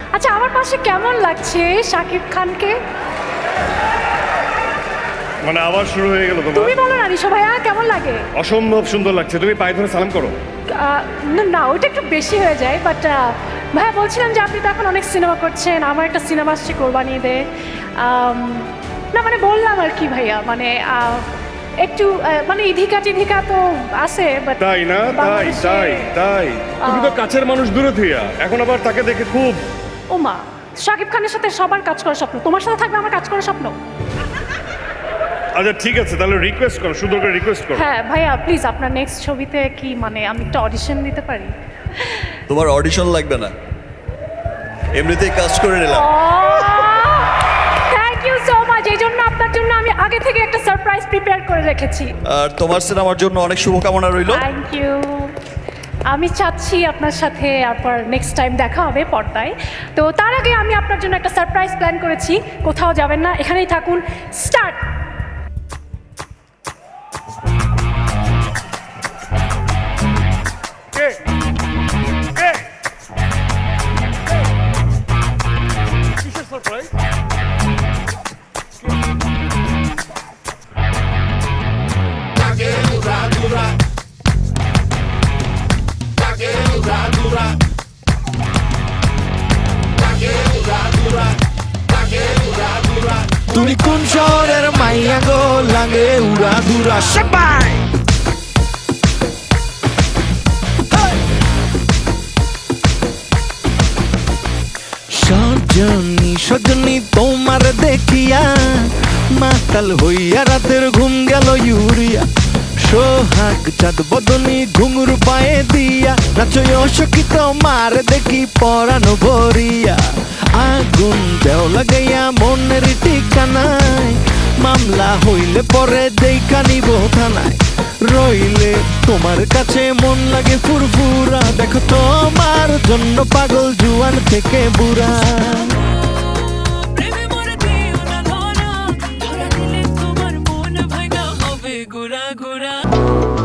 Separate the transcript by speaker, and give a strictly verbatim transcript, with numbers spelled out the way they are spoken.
Speaker 1: আচ্ছা আমার পাশে কেমন লাগছে শাকিব খানকে?
Speaker 2: মানে আবার শুরু হয়ে গেল
Speaker 1: তুমি
Speaker 2: তোমার।
Speaker 1: বলো না রিশো ভাইয়া কেমন লাগে?
Speaker 2: অসম্ভব সুন্দর লাগছে, তুমি পায়ে ধরে সালাম করো।
Speaker 1: আহ, না না ওইটা একটু বেশি হয়ে যায়, বাট ভাইয়া বলছিলাম যে আপনি তো এখন অনেক সিনেমা করছেন, আমার একটা সিনেমা আসছে কোরবানি ঈদে। আম, না মানে বললাম আর কি ভাইয়া, মানে আহ, একটু আহ, মানে ইধিকা টিধিকা তো আছে বাট
Speaker 2: তাই না? তাই তাই তাই তুমি তো কাছের মানুষ দূরে থিয়া, এখন আবার তাকে দেখে খুব।
Speaker 1: ও মা, শাকিব খানের সাথে সবার কাজ করার স্বপ্ন, তোমার সাথে থাকবে আমার কাজ করার স্বপ্ন।
Speaker 2: আচ্ছা ঠিক আছে, তাহলে রিকোয়েস্ট করো, সুন্দর করে রিকোয়েস্ট করো।
Speaker 1: হ্যাঁ ভাইয়া প্লিজ আপনার নেক্সট ছবিতে কি মানে আমি একটা অডিশন দিতে পারি?
Speaker 3: তোমার অডিশন লাগবে না, এমনিতেই কাজ করে নিলাম।
Speaker 1: থ্যাংক ইউ সো মাচ, এই জন্য আপনার জন্য আমি আগে থেকে একটা সারপ্রাইজ প্রিপেয়ার করে রেখেছি।
Speaker 3: আর তোমার সিনেমার জন্য অনেক শুভকামনা রইল।
Speaker 1: Thank you. আমি চাচ্ছি আপনার সাথে আবার নেক্সট টাইম দেখা হবে পর্দায়। তো তার আগে আমি আপনার জন্য একটা সারপ্রাইজ প্ল্যান করেছি, কোথাও যাবেন না, এখানেই থাকুন। স্টার্ট।
Speaker 2: কে কে কিসের সারপ্রাইজ?
Speaker 4: তুমি কোন শহরের মাইয়া গো, লাগে উড়া দুরা সবাই। সজনী সজনী তোমার দেখিয়া মাতাল হইয়া রাতের ঘুম গেল ইউরিয়া। সোহাগ চাঁদ বদনী ঘুঙুর পায়ে দিয়া নাচয় অশোকিত মার দেখি পরানো ভরিয়া। আগুন দেও লাগাইয়া মনের ঠিকানায়, মামলা হইলে পরে দেখা নিব থানায়। রইলে তোমার কাছে মন লাগে ফুরফুরা, দেখো তোমার জন্য পাগল জুয়ান থেকে বুড়া।
Speaker 5: প্রেমে মরে দিও না ধরা, ধরা দিলে তোমার মন ভাঙা হবে গুড়া গুড়া।